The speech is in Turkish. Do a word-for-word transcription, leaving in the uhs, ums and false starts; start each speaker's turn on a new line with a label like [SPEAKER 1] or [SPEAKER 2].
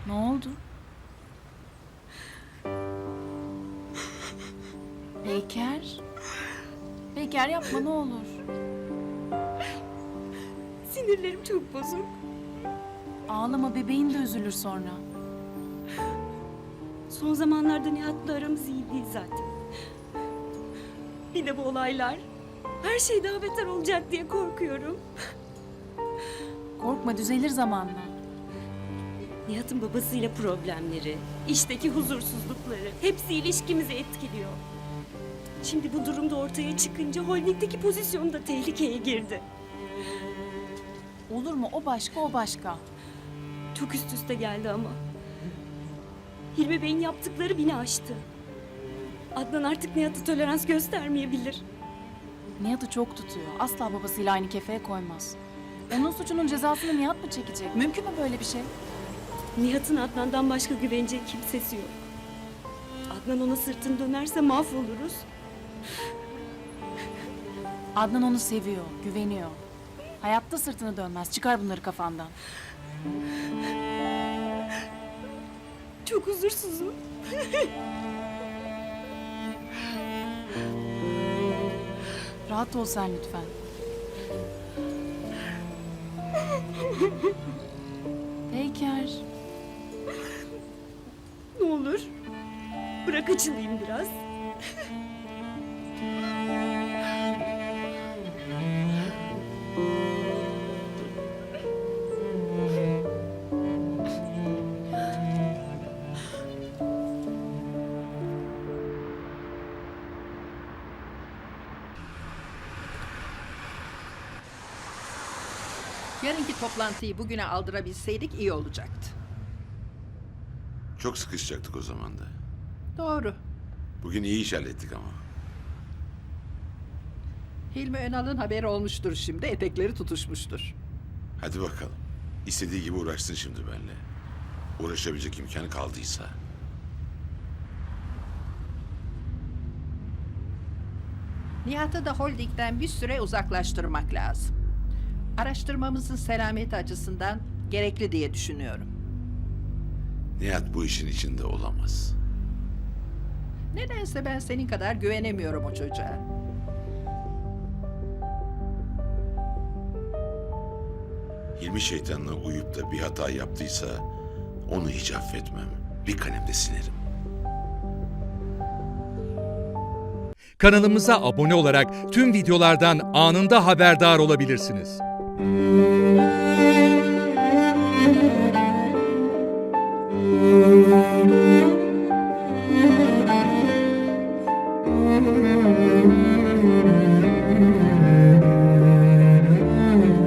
[SPEAKER 1] Ne oldu? Peyker. Peyker yapma ne olur.
[SPEAKER 2] Sinirlerim çok bozuk.
[SPEAKER 1] Ağlama, bebeğin de üzülür sonra.
[SPEAKER 2] Son zamanlarda Nihat'la aramız iyi değil zaten. Bir de bu olaylar. Her şey daha beter olacak diye korkuyorum.
[SPEAKER 1] Korkma, düzelir zamanla.
[SPEAKER 2] Nihat'ın babasıyla problemleri, işteki huzursuzlukları hepsi ilişkimizi etkiliyor. Şimdi bu durumda ortaya çıkınca holdingdeki pozisyonu da tehlikeye girdi.
[SPEAKER 1] Olur mu? O başka, o başka.
[SPEAKER 2] Çok üst üste geldi ama. Hilmi Bey'in yaptıkları beni aştı. Adnan artık Nihat'a tolerans göstermeyebilir.
[SPEAKER 1] Nihat'ı çok tutuyor. Asla babasıyla aynı kefeye koymaz. Onun suçunun cezasını Nihat mı çekecek? Mümkün mü böyle bir şey?
[SPEAKER 2] Nihat'ın Adnan'dan başka güvenecek kimsesi yok. Adnan ona sırtını dönerse mahvoluruz.
[SPEAKER 1] Adnan onu seviyor, güveniyor. Hayatta sırtını dönmez. Çıkar bunları kafandan.
[SPEAKER 2] Çok huzursuzum.
[SPEAKER 1] Rahat ol sen lütfen. Peyker.
[SPEAKER 2] Ne olur. Bırak açılayım biraz.
[SPEAKER 3] Yarınki toplantıyı bugüne aldırabilseydik iyi olacaktı.
[SPEAKER 4] Çok sıkışacaktık o zaman da.
[SPEAKER 3] Doğru.
[SPEAKER 4] Bugün iyi iş hallettik ama.
[SPEAKER 3] Hilmi Önal'ın haberi olmuştur şimdi, etekleri tutuşmuştur.
[SPEAKER 4] Hadi bakalım. İstediği gibi uğraşsın şimdi benimle. Uğraşabilecek imkanı kaldıysa.
[SPEAKER 3] Nihat'ı da holdingden bir süre uzaklaştırmak lazım. Araştırmamızın selameti açısından gerekli diye düşünüyorum.
[SPEAKER 4] Nihat bu işin içinde olamaz.
[SPEAKER 3] Nedense ben senin kadar güvenemiyorum o çocuğa.
[SPEAKER 4] Hilmi şeytanına uyup da bir hata yaptıysa onu hiç affetmem. Bir kalemde silerim.
[SPEAKER 5] Kanalımıza abone olarak tüm videolardan anında haberdar olabilirsiniz.